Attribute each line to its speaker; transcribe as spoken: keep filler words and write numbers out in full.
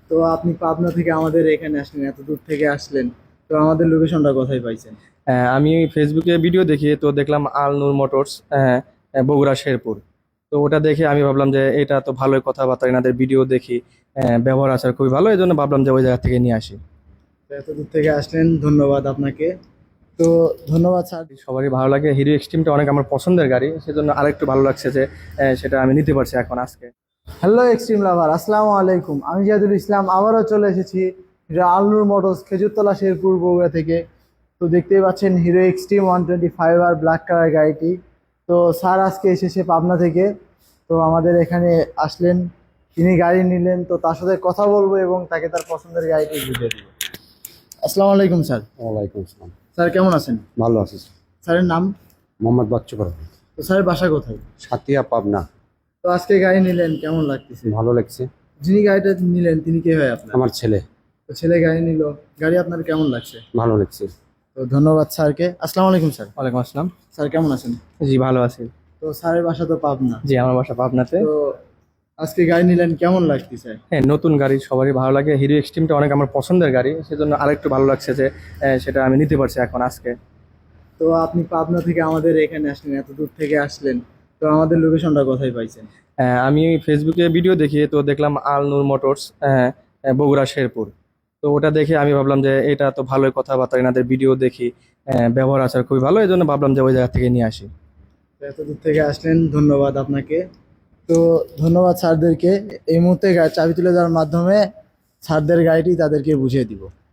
Speaker 1: তো আপনি পাবনা থেকে আমাদের এখানে আসলেন, এত দূর থেকে আসলেন, তো আমাদের লোকেশনটা কোথায় পাইছেন?
Speaker 2: আহ, আমি ফেসবুকে ভিডিও দেখি, তো দেখলাম আল নূর মোটরস, আহ, আহ, বগুড়া শেরপুর। তো ওটা দেখে আমি ভাবলাম যে এটা তো ভালোই, কথাবার্তা এনাদের ভিডিও দেখি, আহ, ব্যবহার আচার খুবই ভালো, এই জন্য ভাবলাম যে ওই জায়গা থেকে নিয়ে আসি।
Speaker 1: তো এত দূর থেকে আসলেন, ধন্যবাদ আপনাকে। তো ধন্যবাদ স্যার।
Speaker 2: সবারই ভালো লাগে, হিরো এক্সট্রিমটা অনেক আমার পছন্দের গাড়ি, সেজন্য আরেকটু ভালো লাগছে যে আহ, সেটা আমি নিতে পারছি এখন আজকে।
Speaker 1: হ্যালো এক্সট্রিম লাভার, আসসালামু আলাইকুম। আমি জিয়াদুল ইসলাম আবারও চলে এসেছি হিরো আলনুর মোটরস, খেজুরতলা শেরপুর বগুড়া থেকে। তো দেখতেই পাচ্ছেন Hero Xtreme one twenty five আর ব্ল্যাক কালার গাড়িটি। তো স্যার আজকে এসেছে পাবনা থেকে, তো আমাদের এখানে আসলেন, তিনি গাড়ি নিলেন, তো তার সাথে কথা বলবো এবং তাকে তার পছন্দের গাড়িটি বুঝিয়ে দিব। আসসালামু আলাইকুম স্যার।
Speaker 3: ওয়ালাইকুম আসসালাম।
Speaker 1: স্যার কেমন আছেন?
Speaker 3: ভালো আছি স্যার।
Speaker 1: স্যারের নাম?
Speaker 3: মোহাম্মদ বাচ্চু পারভেজ।
Speaker 1: তো স্যারের বাসা কোথায়?
Speaker 3: সাতিয়া পাবনা।
Speaker 1: তো আজকে গাড়ি নিলেন, কেমন লাগতেছে?
Speaker 3: ভালো লাগছে।
Speaker 1: যিনি গাড়িটা নিলেন তিনি কে হয় আপনার?
Speaker 3: আমার ছেলে।
Speaker 1: তো ছেলে গাড়ি নিল, গাড়ি আপনার কেমন লাগছে?
Speaker 3: ভালো লাগছে।
Speaker 1: তো ধন্যবাদ স্যারকে। আসসালামু আলাইকুম স্যার।
Speaker 2: ওয়ালাইকুম আসসালাম।
Speaker 1: স্যার কেমন আছেন?
Speaker 2: জি, ভালো আছি।
Speaker 1: তো স্যারের বাসা তো পাবনা।
Speaker 2: জি, আমার বাসা পাবনাতে।
Speaker 1: তো আজকে গাড়ি নিলেন, কেমন লাগতেছে?
Speaker 2: হ্যাঁ, নতুন গাড়ি সবারই ভালো লাগে, হিরো এক্সট্রিমটা অনেক আমার পছন্দের গাড়ি, সেজন্য আরেকটু ভালো লাগছে যে আহ, সেটা আমি নিতে পারছি এখন আজকে।
Speaker 1: তো আপনি পাবনা থেকে আমাদের এখানে আসলেন, এত দূর থেকে আসলেন, তো আমাদের লোকেশনটা কোথায় পাইছেন?
Speaker 2: আহ, আমি ফেসবুকে ভিডিও দেখি, তো দেখলাম আল নূর মোটরস, আহ, আহ, বগুড়া শেরপুর। তো ওটা দেখে আমি ভাবলাম যে এটা তো ভালোই, কথাবার্তা এনাদের ভিডিও দেখি, আহ, ব্যবহার আচার খুবই ভালো, এই জন্য ভাবলাম যে ওই জায়গা থেকে নিয়ে আসি।
Speaker 1: তো এত দূর থেকে আসলেন, ধন্যবাদ আপনাকে। তো ধন্যবাদ স্যারদেরকে। এই মুহূর্তে গা- চাবি তুলে দেওয়ার মাধ্যমে স্যারদের গাড়িটি তাদেরকে বুঝিয়ে দিব।